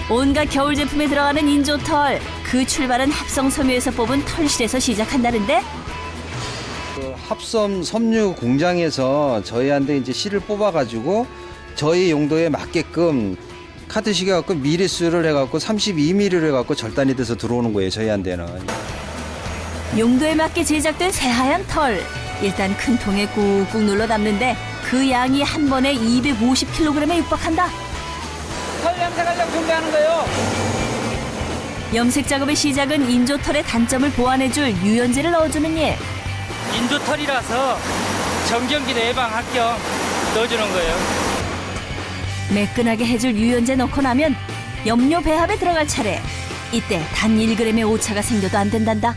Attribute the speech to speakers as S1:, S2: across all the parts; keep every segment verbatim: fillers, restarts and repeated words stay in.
S1: 온갖 겨울 제품에 들어가는 인조털. 그 출발은 합성 섬유에서 뽑은 털실에서 시작한다는데
S2: 그 합섬 섬유 공장에서 저희한테 이제 실을 뽑아가지고 저희 용도에 맞게끔 카트식에 갖고 미리수를 해갖고 삼십이 밀리미터를 해갖고 절단이 돼서 들어오는 거예요, 저희한테는.
S1: 용도에 맞게 제작된 새하얀 털. 일단 큰 통에 꾹꾹 눌러 담는데 그 양이 한 번에 이백오십 킬로그램에 육박한다.
S3: 털 염색하려고 준비하는 거예요.
S1: 염색 작업의 시작은 인조털의 단점을 보완해줄 유연제를 넣어주는 일.
S3: 인조털이라서 정전기도 예방할 겸 넣어주는 거예요.
S1: 매끈하게 해줄 유연제 넣고 나면 염료 배합에 들어갈 차례. 이때 단 일 그램의 오차가 생겨도 안 된단다.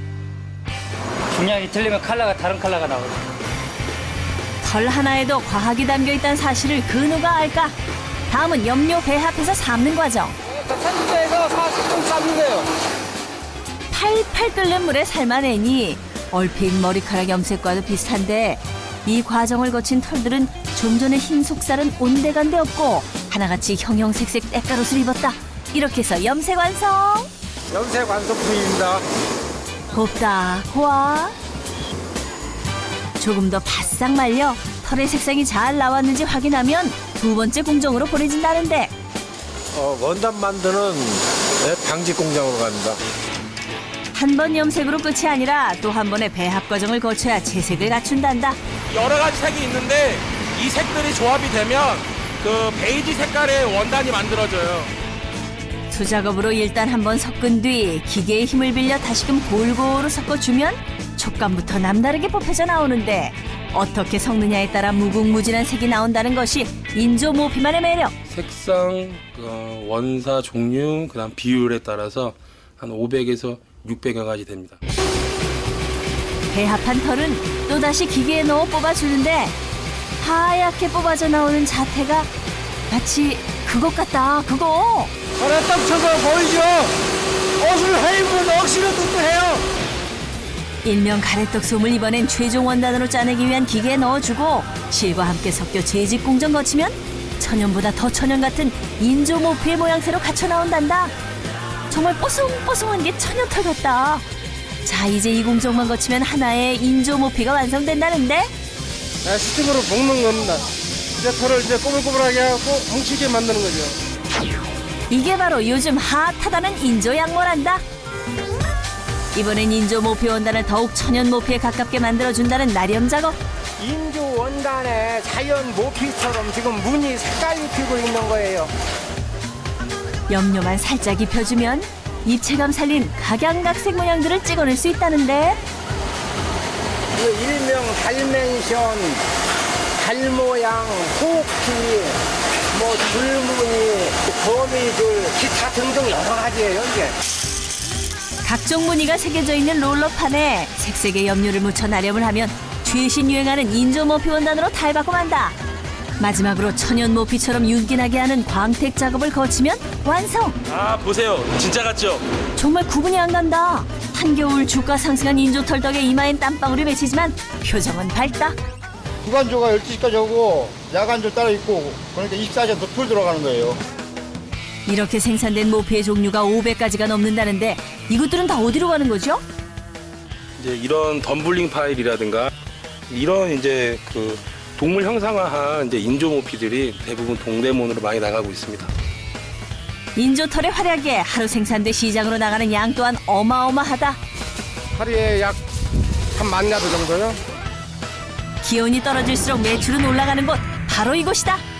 S3: 중량이 틀리면 컬러가 다른 컬러가 나오죠.
S1: 털 하나에도 과학이 담겨 있다는 사실을 그 누가 알까? 다음은 염료 배합해서 삶는 과정.
S3: 삼십 도에서 사십 분 삶는 거예요.
S1: 팔팔 끓는 물에 삶아내니 얼핏 머리카락 염색과도 비슷한데 이 과정을 거친 털들은 좀 전에 흰 속살은 온데간데 없고 하나같이 형형색색 때깔옷을 입었다. 이렇게 해서 염색 완성!
S4: 염색 완성품입니다.
S1: 곱다 고와 조금 더 바싹 말려 털의 색상이 잘 나왔는지 확인하면 두 번째 공정으로 보내진다는데
S4: 어, 원단 만드는 네, 방직 공장으로 갑니다.
S1: 한 번 염색으로 끝이 아니라 또 한 번의 배합 과정을 거쳐야 채색을 갖춘단다.
S5: 여러 가지 색이 있는데 이 색들이 조합이 되면 그 베이지 색깔의 원단이 만들어져요.
S1: 수작업으로 일단 한번 섞은 뒤 기계의 힘을 빌려 다시금 골고루 섞어주면 촉감부터 남다르게 뽑혀져 나오는데 어떻게 섞느냐에 따라 무궁무진한 색이 나온다는 것이 인조 모피만의 매력.
S6: 색상, 어, 원사 종류, 그다음 비율에 따라서 한 오백에서 육백여 가지 됩니다.
S1: 배합한 털은 또다시 기계에 넣어 뽑아주는데 하얗게 뽑아져 나오는 자태가 마치 그것 같다, 그거.
S4: 털에 딱 쳐서 보이죠? 옷을 해입으면 억지로 뚱뚱해요.
S1: 일명 가래떡 솜을 이번엔 최종 원단으로 짜내기 위한 기계에 넣어주고 실과 함께 섞여 재직 공정 거치면 천연보다 더 천연 같은 인조 모피의 모양새로 갖춰 나온단다. 정말 뽀송뽀송한 게 천연털 같다. 자, 이제 이 공정만 거치면 하나의 인조 모피가 완성된다는데
S4: 네, 스팀으로 볶는 겁니다. 이제 털을 이제 꼬불꼬불하게 하고 뭉치게 만드는 거죠.
S1: 이게 바로 요즘 핫하다는 인조 양모란다. 이번엔 인조 모피 원단을 더욱 천연 모피에 가깝게 만들어준다는 나렴 작업.
S7: 인조 원단에 자연 모피처럼 지금 무늬 색깔이 피고 있는 거예요.
S1: 염료만 살짝 입혀주면 입체감 살린 각양각색 모양들을 찍어낼 수 있다는데
S7: 그 일명 달멘션, 달모양, 호흡기, 뭐 줄무늬, 거미줄, 기타 등등 여러 가지예요 이게.
S1: 각종 무늬가 새겨져 있는 롤러판에 색색의 염료를 묻혀 나렴을 하면 최신 유행하는 인조 모피 원단으로 탈바꿈 한다. 마지막으로 천연 모피처럼 윤기나게 하는 광택 작업을 거치면 완성!
S5: 아 보세요, 진짜 같죠?
S1: 정말 구분이 안 간다. 한겨울 주가 상승한 인조털 덕에 이마엔 땀방울이 맺히지만 표정은 밝다.
S4: 주간조가 열두 시까지 오고 야간조 따로 있고 그러니까 이십사 시간 더 풀 들어가는 거예요.
S1: 이렇게 생산된 모피의 종류가 오백 가지가 넘는다는데 이것들은 다 어디로 가는 거죠?
S6: 이제 이런 덤블링 파일이라든가 이런 이제 그 동물 형상화한 이제 인조 모피들이 대부분 동대문으로 많이 나가고 있습니다.
S1: 인조털의 활약에 하루 생산돼 시장으로 나가는 양 또한 어마어마하다.
S4: 하루에 약 한 만 야드 정도요.
S1: 기온이 떨어질수록 매출은 올라가는 곳 바로 이곳이다.